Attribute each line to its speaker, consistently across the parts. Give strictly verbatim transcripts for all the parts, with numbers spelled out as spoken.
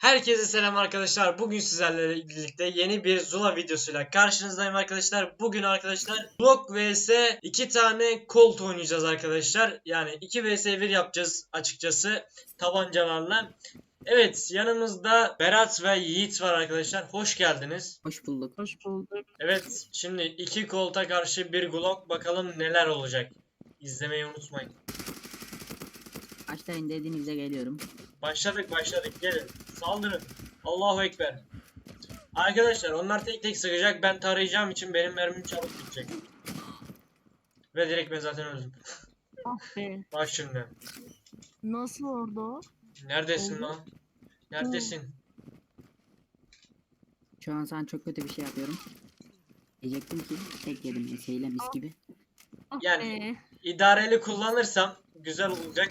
Speaker 1: Herkese selam arkadaşlar. Bugün sizlerle birlikte yeni bir Zula videosuyla karşınızdayım arkadaşlar. Bugün arkadaşlar Glock vs iki tane Colt oynayacağız arkadaşlar. Yani iki vs bir yapacağız açıkçası tabancalarla. Evet, yanımızda Berat ve Yiğit var arkadaşlar. Hoş geldiniz.
Speaker 2: Hoş bulduk.
Speaker 3: Hoş bulduk.
Speaker 1: Evet, şimdi iki Colt'a karşı bir Glock, bakalım neler olacak. İzlemeyi unutmayın.
Speaker 2: Başlayın dediğinizde geliyorum.
Speaker 1: Başladık başladık, gelin saldırın. Allahu Ekber. Arkadaşlar onlar tek tek sıkacak, ben tarayacağım için benim mermim çabuk bitecek. Ve direkt ben zaten öldüm.
Speaker 3: Ah be.
Speaker 1: Bak şimdi.
Speaker 3: Nasıl orada o?
Speaker 1: Neredesin
Speaker 3: Oldu.
Speaker 1: lan? Neredesin?
Speaker 2: Şu an sana çok kötü bir şey yapıyorum. Diyecektim ki tek yedim eseyle mis gibi.
Speaker 3: Ah
Speaker 1: Yani
Speaker 3: be.
Speaker 1: idareli kullanırsam güzel olacak.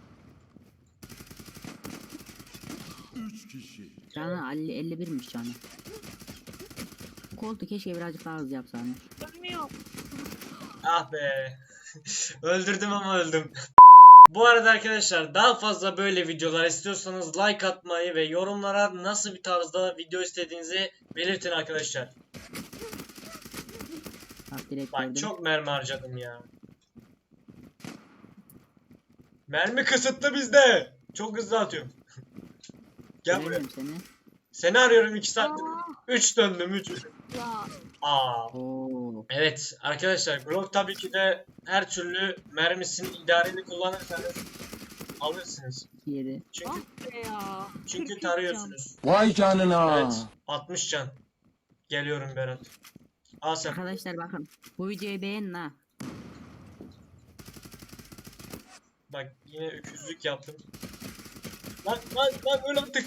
Speaker 2: Canı elli, elli birmiş canı. Koltuğu keşke birazcık daha hızlı yapsam.
Speaker 3: Ölmüyor.
Speaker 1: Ah be. Öldürdüm ama öldüm. Bu arada arkadaşlar, daha fazla böyle videolar istiyorsanız like atmayı ve yorumlara nasıl bir tarzda video istediğinizi belirtin arkadaşlar.
Speaker 2: Bak direkt
Speaker 1: Bak
Speaker 2: gördüm.
Speaker 1: çok mermi harcadım ya. Mermi kısıtlı bizde. Çok hızlı atıyorum. Gel buraya.
Speaker 2: Göremiyorum seni.
Speaker 1: Seni arıyorum iki saattir.
Speaker 3: Aa,
Speaker 1: üç döndüm üç.
Speaker 3: ya.
Speaker 1: Aa.
Speaker 2: Oo.
Speaker 1: Evet arkadaşlar, Glock tabii ki de her türlü mermisini idareli kullanırsanız alırsınız.
Speaker 2: yedi.
Speaker 1: Çünkü
Speaker 3: Ah be ya.
Speaker 1: çünkü
Speaker 3: kırk üç
Speaker 1: tarıyorsunuz.
Speaker 4: Vay canına.
Speaker 1: Evet. altmış can. Geliyorum Berat. Al sen.
Speaker 2: Arkadaşlar bakın. Bu videoyu beğenin ha.
Speaker 1: Bak yine öküzlük yaptım. Lan lan lan öyle attık.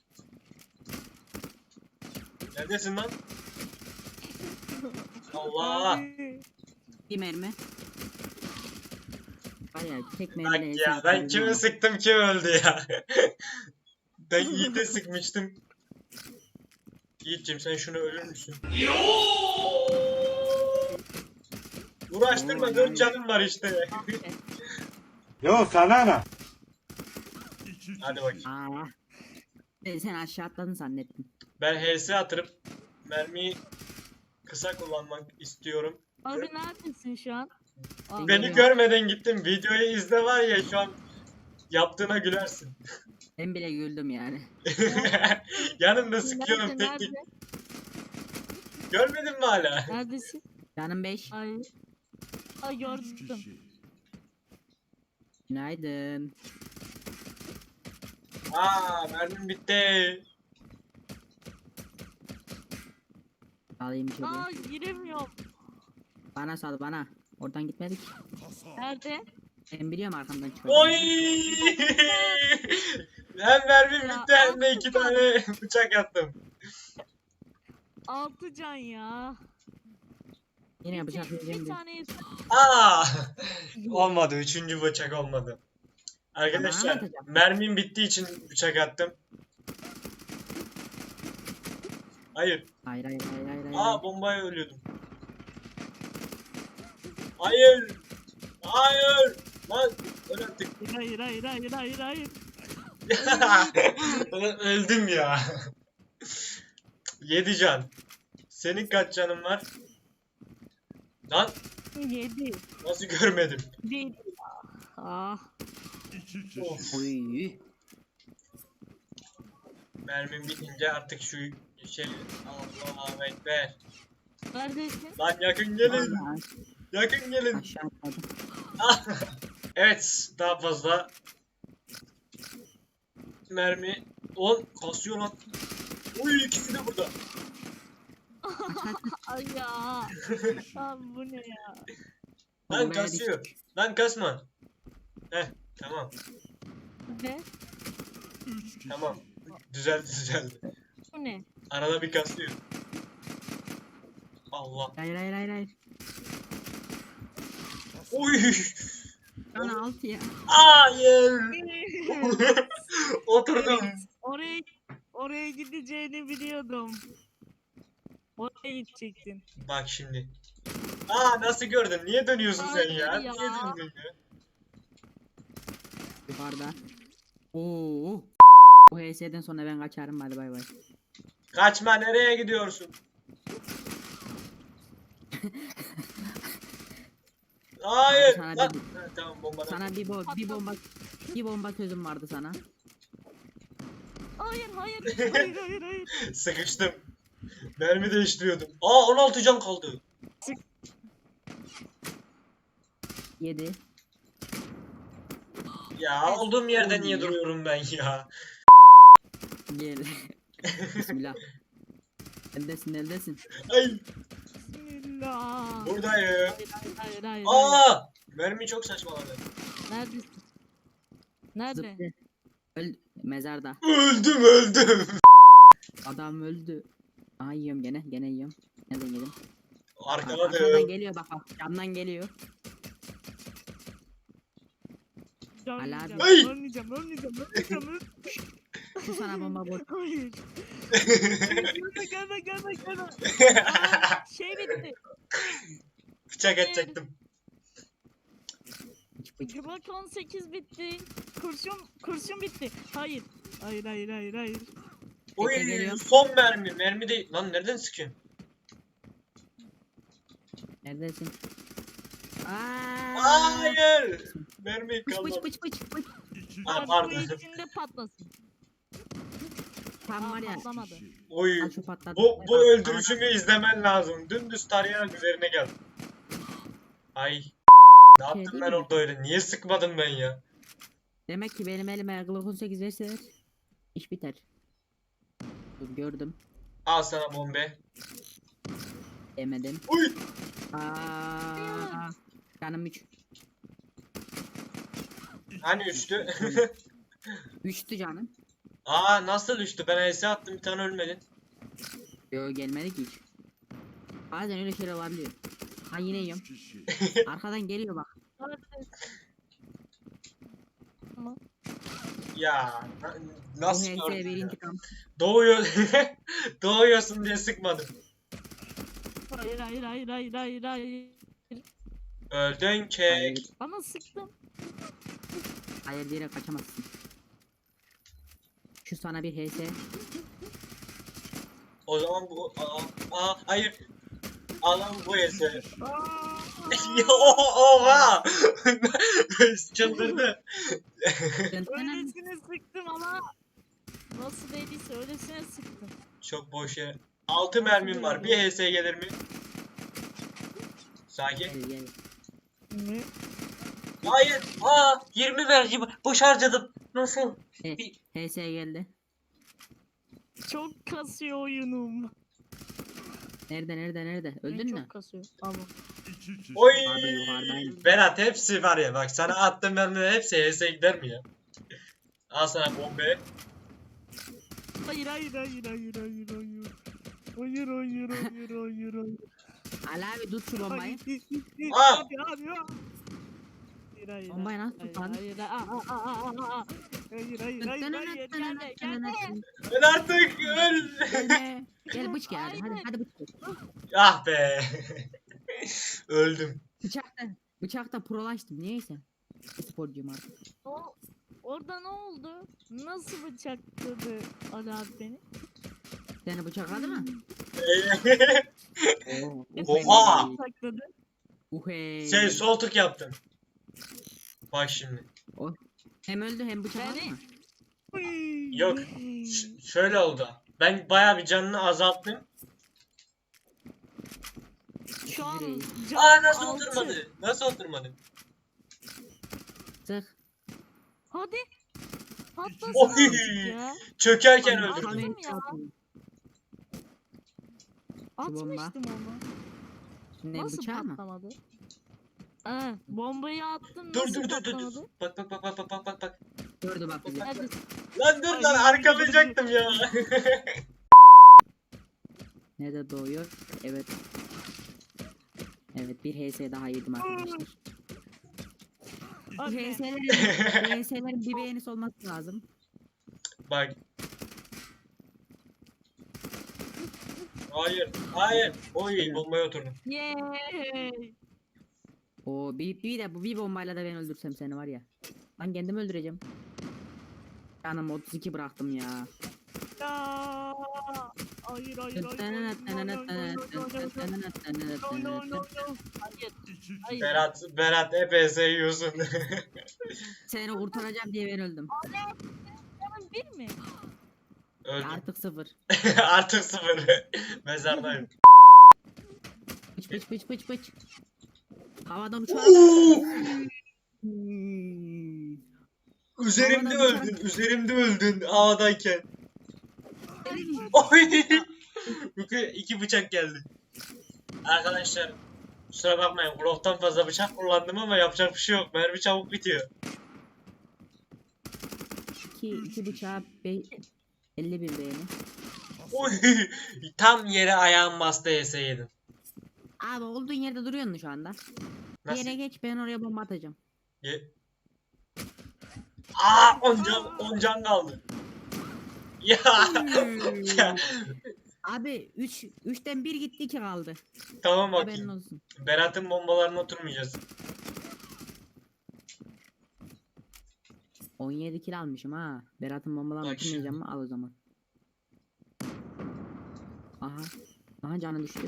Speaker 1: Neredesin lan?
Speaker 3: can.
Speaker 1: Allah.
Speaker 3: Abi.
Speaker 2: Bir mermi. Var ya tek
Speaker 1: Bak
Speaker 2: mermiyle
Speaker 1: ya,
Speaker 2: esas
Speaker 1: ben
Speaker 2: öldüm
Speaker 1: kimi
Speaker 2: ama.
Speaker 1: sıktım kim öldü ya. Ben Yiğit'e sıkmıştım. Yiğit'cim sen şunu ölür müsün? Uğraştırma,
Speaker 2: Oo,
Speaker 1: dört
Speaker 2: yani.
Speaker 1: canım var işte.
Speaker 3: Ah be.
Speaker 4: Yo sana ne?
Speaker 1: Hadi bakayım.
Speaker 2: Aa. Ben sen aşağı atladın zannettim.
Speaker 1: Ben H S atırıp mermiyi kısa kullanmak istiyorum.
Speaker 3: Abi neredesin şu an? Ah,
Speaker 1: Beni
Speaker 2: Geliyorum.
Speaker 1: görmeden gittim. Videoyu izle, var ya şu an yaptığına gülersin.
Speaker 2: Ben bile güldüm yani.
Speaker 1: Yanımda sıkıyorum
Speaker 3: nerede,
Speaker 1: tek tek.
Speaker 3: nerede?
Speaker 1: Görmedin mi hala?
Speaker 3: Neredesin?
Speaker 2: Canım beş.
Speaker 3: Ay. Ay gördüm.
Speaker 2: Günaydın.
Speaker 1: Aa, mermim bitti.
Speaker 2: Alayım içeri.
Speaker 3: Aa giremiyorum.
Speaker 2: Bana sal bana. Oradan gitmedik.
Speaker 3: Nerede?
Speaker 2: Ben biliyorum arkamdan çıkıyor.
Speaker 1: Oy! Hem mermim
Speaker 3: Ya,
Speaker 1: bitti hem de iki tane bıçak attım.
Speaker 3: Altı can ya.
Speaker 2: Yine
Speaker 3: Bir,
Speaker 2: bıçak
Speaker 3: tek- bir
Speaker 2: yiyeceğim diye.
Speaker 3: tane
Speaker 1: Aa! Olmadı. Üçüncü bıçak olmadı.
Speaker 2: Ama
Speaker 1: Arkadaşlar,
Speaker 2: atacağım.
Speaker 1: mermim bittiği için bıçak attım. Hayır.
Speaker 2: Hayır hayır hayır hayır. hayır.
Speaker 1: Aa, bombaya ölüyordum. Hayır. Hayır. Lan öl artık.
Speaker 3: Hayır hayır hayır hayır hayır.
Speaker 1: Ulan öldüm ya. Yedi can. Senin kaç canın var? Lan
Speaker 3: Yedi.
Speaker 1: nasıl görmedim?
Speaker 3: Bir. Ah.
Speaker 1: Of.
Speaker 2: Oy.
Speaker 1: Mermim bitince artık şu şey, Allahu Ekber.
Speaker 3: Neredesin?
Speaker 1: Lan yakın gelin.
Speaker 2: Vallahi
Speaker 1: Yakın gelin.
Speaker 2: aşağı atladım.
Speaker 1: Evet, daha fazla mermi. On kasıyor lan. Uy, ikisi de burada.
Speaker 3: Ay ya. Lan bu ne ya?
Speaker 1: Lan
Speaker 2: Bombaya
Speaker 1: kasıyor.
Speaker 2: düştük.
Speaker 1: Lan kasma. Heh, tamam.
Speaker 3: Ne?
Speaker 1: Tamam. Düzeldi düzeldi.
Speaker 3: Bu ne?
Speaker 1: Arada bir kasıyor. Allah.
Speaker 2: Hayır hayır hayır hayır.
Speaker 1: Uy.
Speaker 2: Bana altı ya.
Speaker 1: Hayır. Oturdum.
Speaker 3: Oraya oraya gideceğini biliyordum. Oraya gidecektin.
Speaker 1: Bak şimdi. Aa, nasıl gördün? Niye dönüyorsun sen
Speaker 3: Hayır
Speaker 1: ya?
Speaker 3: ya.
Speaker 1: Niye döndün ya?
Speaker 2: Yukarıda. Oo. Bu H S'den sonra ben kaçarım, hadi bay bay.
Speaker 1: Kaçma, nereye gidiyorsun? Hayır.
Speaker 2: Sana
Speaker 1: Lan.
Speaker 2: bir-
Speaker 1: Ha, tamam bomba.
Speaker 2: Sana bir, bo bir bomba bir bomba sözüm vardı sana.
Speaker 3: Hayır hayır hayır hayır hayır.
Speaker 1: Sıkıştım. Mermi değiştiriyordum. Aa on altı can kaldı.
Speaker 2: Yedi.
Speaker 1: Ya olduğum yerde
Speaker 2: Oy
Speaker 1: niye
Speaker 2: ya.
Speaker 1: duruyorum ben ya?
Speaker 2: Gel. Bismillah. Eldesin eldesin.
Speaker 1: Ay
Speaker 3: Bismillah.
Speaker 1: buradayım.
Speaker 3: Hayır hayır hayır hayır.
Speaker 1: Aa mermi çok saçmaladı.
Speaker 3: Neredesin? Nerede?
Speaker 2: Zıplı. Öl mezarda.
Speaker 1: Öldüm öldüm.
Speaker 2: Adam öldü. Aa yiyorum gene gene yiyorum. Nereden yedim? Aa, arkadan
Speaker 1: Arkaladım.
Speaker 2: geliyor bak bak. Camdan geliyor.
Speaker 3: Ölmeyeceğim,
Speaker 1: Ay!
Speaker 3: ölmeyeceğim, ölmeyeceğim, ölmeyeceğim, ölmeyeceğim.
Speaker 2: Şu sana bomba boş.
Speaker 3: Hayır. Gelme, gelme, gelme, gelme. Aa, şey bitti.
Speaker 1: Bıçak edecektim.
Speaker 2: Bıç bıç.
Speaker 3: Glock on sekiz bitti. Kurşun, kurşun bitti. Hayır. Hayır, hayır, hayır, hayır.
Speaker 1: Oy
Speaker 2: geliyorum.
Speaker 1: son mermi. Mermi değil. Lan nereden sıkıyorsun?
Speaker 2: Neredesin? Aa!
Speaker 1: Hayır. Mermi
Speaker 2: Bıç
Speaker 1: kalmadı.
Speaker 2: bıç bıç bıç bıç.
Speaker 1: Ha,
Speaker 3: Aa,
Speaker 1: pardon.
Speaker 3: bu içinde patlasın.
Speaker 2: Tam
Speaker 3: Aa,
Speaker 2: var ya.
Speaker 3: patlamadı.
Speaker 1: Oy.
Speaker 2: Al şu patladı.
Speaker 1: Bu, bu
Speaker 2: Aa,
Speaker 1: öldürüşümü izlemen lazım. Dümdüz tarayarak üzerine geldim. Ay. Ne
Speaker 2: Şey
Speaker 1: yaptım
Speaker 2: değil
Speaker 1: ben
Speaker 2: mi?
Speaker 1: orada öyle? Niye sıkmadım ben ya?
Speaker 2: Demek ki benim elime Glock on sekiz verseler iş biter. Dur gördüm.
Speaker 1: Al sana bombe.
Speaker 2: Demedim.
Speaker 1: Uy.
Speaker 2: Aa, canım üç.
Speaker 1: Hani üçtü?
Speaker 2: Üçtü canım.
Speaker 1: Aa nasıl üçtü? Ben ace attım bir tane ölmedin.
Speaker 2: Yo gelmedi ki hiç. Bazen öyle şeyler olabiliyor. Ha yine yiyorum. Arkadan geliyor bak.
Speaker 3: Ama
Speaker 1: Ya na-
Speaker 2: Bu
Speaker 1: nasıl
Speaker 2: H S
Speaker 1: gördün
Speaker 2: bir
Speaker 1: ya?
Speaker 2: intikam.
Speaker 1: Doğuyor. Doğuyorsun diye sıkmadım.
Speaker 3: hayır, hayır, hayır, hayır, hayır, hayır.
Speaker 1: Öldün kek.
Speaker 2: Hayır,
Speaker 3: Ama sıktım.
Speaker 2: hayır diyerek kaçamazsın. Şu sana bir H S.
Speaker 1: O zaman bu aa, aa hayır. Alan bu ese. Ya o- oha. Çıldırdı.
Speaker 3: Öylesine sıktım ama nasıl değilse öylesine sıktım.
Speaker 1: Çok boş yere. altı mermim var. Bir H S gelir mi? Sakin.
Speaker 2: Gel gel.
Speaker 3: Ne?
Speaker 1: Hayır. Aa yirmi vergi boş harcadım. Nasıl?
Speaker 2: He, H S geldi.
Speaker 3: Çok kasıyor oyunum.
Speaker 2: Nerede nerede nerede? Öldün
Speaker 3: Çok
Speaker 2: mü?
Speaker 3: kasıyor. Ama.
Speaker 1: Oy.
Speaker 2: Abi yukarıdayım.
Speaker 1: Berat hepsi var ya bak sana attığım mermiler hepsi H S gider mi ya? Al sana bombe.
Speaker 3: Hayır hayır hayır hayır hayır hayır. Hayır hayır hayır hayır hayır.
Speaker 2: Ali abi tut şu bombayı.
Speaker 3: Hayır,
Speaker 1: Aa!
Speaker 3: Abi abi abi. Hayır hayır.
Speaker 2: Bombayı nasıl
Speaker 3: hayır,
Speaker 2: tutan?
Speaker 3: Hayır aa, aa, aa, aa, aa. Hayır hayır hayır hayır gelme gelme.
Speaker 1: Ben artık öl.
Speaker 2: Gelme. Gel bıç gel hadi. Hadi,
Speaker 3: Aynen.
Speaker 2: hadi bıç gel.
Speaker 1: Ah be. Öldüm.
Speaker 2: Bıçakta. Bıçakta prolaştım niyeyse. Sporcuyum artık.
Speaker 3: O, orada ne oldu? Nasıl bıçakladı Ali abi beni?
Speaker 2: Seni bıçakladı mı? Oo.
Speaker 1: Oha!
Speaker 3: Nasıl bıçakladı?
Speaker 2: Uhey.
Speaker 1: şey sol tık yaptım. Bak şimdi.
Speaker 2: Hem öldü hem bıçakladı
Speaker 3: Beni-
Speaker 2: mı?
Speaker 3: Uy.
Speaker 1: Yok. Ş- şöyle oldu. Ben bayağı bir canını azalttım.
Speaker 3: Şu an
Speaker 2: Direği.
Speaker 3: can
Speaker 1: Aa nasıl
Speaker 3: altı.
Speaker 1: oturmadı? Nasıl oturmadı?
Speaker 2: Sık.
Speaker 3: Hadi. Patlasın
Speaker 1: Oy.
Speaker 3: azıcık ya.
Speaker 1: Çökerken
Speaker 3: Ay,
Speaker 1: öldürdüm.
Speaker 3: Attım ya.
Speaker 2: bomba.
Speaker 3: Atmıştım onu.
Speaker 2: Ne
Speaker 3: Nasıl
Speaker 2: bıçağı mı?
Speaker 3: patlamadı? Ee, bombayı attım
Speaker 1: Dur
Speaker 3: nasıl
Speaker 1: dur dur dur dur.
Speaker 3: patlamadı?
Speaker 1: Bak bak bak bak bak bak bak bak.
Speaker 2: Gördü bak bizi.
Speaker 3: Hadi.
Speaker 1: Lan dur
Speaker 3: Ay,
Speaker 1: lan
Speaker 3: ay,
Speaker 1: arkalayacaktım ya.
Speaker 2: Nerede doğuyor? Evet. Evet bir H S daha yedim arkadaşlar. Bu
Speaker 3: Hadi.
Speaker 2: H S'lerin, H S'lerin bir beğenisi olması lazım.
Speaker 1: Bak. Hayır, hayır. Oy bombaya oturdum.
Speaker 3: Yay.
Speaker 2: O bir, bir de bu bir bombayla da ben öldürsem seni var ya. Ben kendimi öldüreceğim. Canım otuz iki bıraktım ya.
Speaker 3: Ya. Hayır hayır hayır. hayır. No, no, no, no, no, no, no, no. Hayır. Hayır.
Speaker 1: Berat, Berat E P S yiyorsun.
Speaker 2: Seni kurtaracağım diye ben öldüm.
Speaker 3: Canım bir mi?
Speaker 1: Öldüm.
Speaker 2: Artık sıfır.
Speaker 1: Artık sıfır. Mezardayım.
Speaker 2: Pıç pıç pıç pıç pıç. Havadan uçarak. Hmm.
Speaker 1: Üzerimde
Speaker 2: Havadan
Speaker 1: öldün, üzerimde öldün havadayken. Oy! İki, iki bıçak geldi. Arkadaşlar kusura bakmayın, Glock'tan fazla bıçak kullandım ama yapacak bir şey yok. Mermi çabuk bitiyor.
Speaker 2: İki, iki bıçağı be elli bir beğeni.
Speaker 1: Oy! Tam yere ayağım bastı E S yedim.
Speaker 2: Abi olduğun yerde duruyorsun şu anda. Bir
Speaker 1: Nasıl?
Speaker 2: yere geç, ben oraya bomba atacağım.
Speaker 1: Ye. Aa, on can, on can kaldı. Ya. Ya.
Speaker 2: Abi üç üçten bir gitti, iki kaldı.
Speaker 1: Tamam
Speaker 2: Haberin
Speaker 1: bakayım.
Speaker 2: olsun.
Speaker 1: Berat'ın bombalarına oturmayacağız.
Speaker 2: on yedi kill almışım ha. Berat'ın bombalarını
Speaker 1: Bak şimdi.
Speaker 2: atmayacağım mı? Al o zaman. Aha. Aha canı düştü.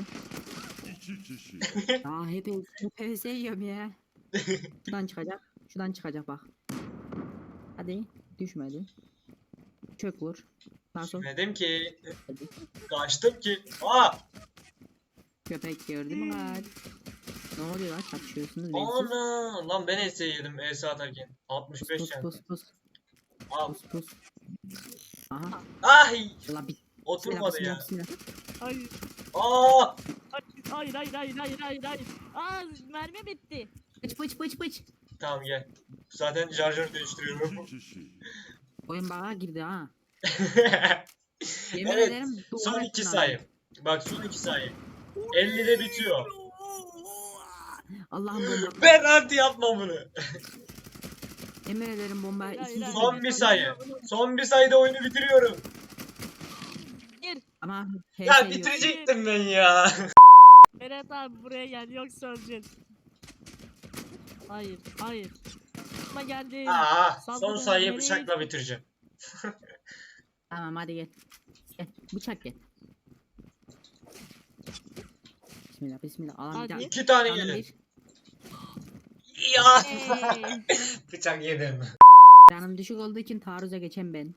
Speaker 2: Aa hep hep P S yiyorum ya. Şuradan çıkacak. Şuradan çıkacak bak. Hadi. Düşmedi. Çök vur. Sağ sol.
Speaker 1: Dedim ki
Speaker 2: Hadi.
Speaker 1: kaçtım ki. Aa!
Speaker 2: Köpek gördü mü lan? Ne oluyor lan? Çatışıyorsunuz. bensiz.
Speaker 1: Ana! Lan ben E S yedim E S atarken. altmış beş
Speaker 2: Pus
Speaker 1: can.
Speaker 2: pus pus.
Speaker 1: Al.
Speaker 2: Pus pus. Aha.
Speaker 1: Ay!
Speaker 2: La bit.
Speaker 1: Oturmadı
Speaker 2: Bismillah,
Speaker 1: ya.
Speaker 2: bismillah.
Speaker 3: Hayır.
Speaker 1: Aa!
Speaker 3: Hayır hayır hayır hayır hayır hayır. Aa mermi bitti.
Speaker 2: Pıç pıç pıç pıç.
Speaker 1: Tamam gel. Zaten şarjör değiştiriyorum.
Speaker 2: Oyun bağa girdi ha. Yemin
Speaker 1: Evet.
Speaker 2: ederim.
Speaker 1: Son
Speaker 2: duvara
Speaker 1: iki
Speaker 2: ettin
Speaker 1: sayı. Bak son iki sayı. ellide bitiyor.
Speaker 2: abi. Allah'ım bomba.
Speaker 1: Berat yapma bunu.
Speaker 2: Yemin ederim bomba.
Speaker 3: Hayır,
Speaker 2: ikinci
Speaker 3: hayır,
Speaker 1: Son
Speaker 2: bomba.
Speaker 1: bir sayı. Son bir sayıda oyunu bitiriyorum.
Speaker 2: Ama H
Speaker 1: Ya
Speaker 2: S yok.
Speaker 1: bitirecektim ben ya.
Speaker 3: Berat abi buraya gel yoksa öleceğiz. Hayır hayır. Ama geldim.
Speaker 1: Aa, son
Speaker 3: Saldırın,
Speaker 1: sayıyı
Speaker 3: nereye
Speaker 1: bıçakla bitireceğim.
Speaker 2: Tamam hadi gel. Gel bıçak gel. Bismillah bismillah. Alan
Speaker 3: Hadi.
Speaker 2: bir daha.
Speaker 1: İki tane
Speaker 2: Canım
Speaker 1: yedim.
Speaker 2: bir.
Speaker 1: Ya.
Speaker 3: Hey.
Speaker 1: Bıçak yedim.
Speaker 2: Canım düşük olduğu için taarruza geçen ben.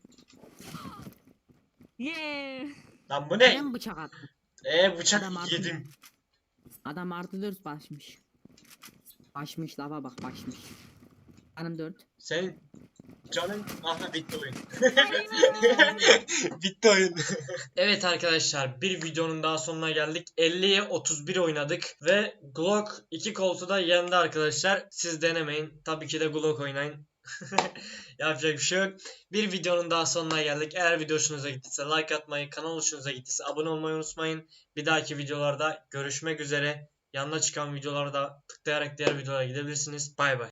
Speaker 3: Yeah.
Speaker 1: Lan bu ne?
Speaker 2: Ben bıçak attım.
Speaker 1: Ee bıçak
Speaker 2: Adam artık-
Speaker 1: yedim.
Speaker 2: Adam artı dört başmış. Başmış lava bak başmış. Canım dört.
Speaker 1: Senin canın aha bitti oyun. Bitti oyun. Evet arkadaşlar, bir videonun daha sonuna geldik. elliye otuz bir oynadık ve Glock iki koltuğu da yendi arkadaşlar. Siz denemeyin. Tabii ki de Glock oynayın. Yapacak bir şey yok. Bir videonun daha sonuna geldik. Eğer video hoşunuza gittiyse like atmayı, kanal hoşunuza gittiyse abone olmayı unutmayın. Bir dahaki videolarda görüşmek üzere. Yanına çıkan videolarda tıklayarak diğer videolara gidebilirsiniz. Bay bay.